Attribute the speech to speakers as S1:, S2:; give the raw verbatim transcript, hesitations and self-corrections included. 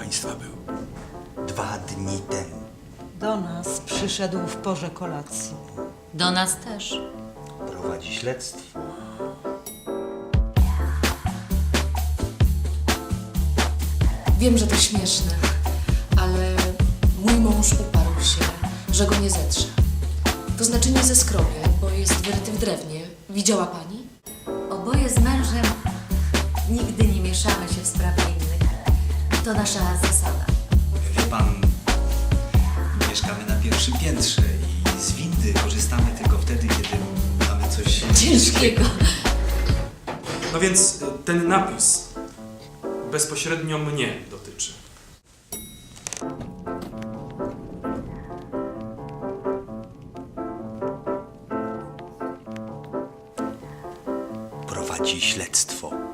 S1: państwa był?
S2: Dwa dni temu.
S3: Do nas przyszedł w porze kolacji.
S4: Do nas też.
S2: Prowadzi śledztwo.
S5: Wiem, że to śmieszne, ale mój mąż uparł się, że go nie zetrze. To znaczy nie zeskrobie, bo jest wyryty w drewnie. Widziała pani?
S4: Oboje z mężem nigdy nie mieszamy się w sprawy innych. To nasza zasada.
S6: Wie pan, mieszkamy na pierwszym piętrze i z windy korzystamy tylko wtedy, kiedy mamy coś
S5: Ciężkiego.
S7: No więc y, ten napis bezpośrednio mnie dotyczy.
S2: Prowadzi śledztwo.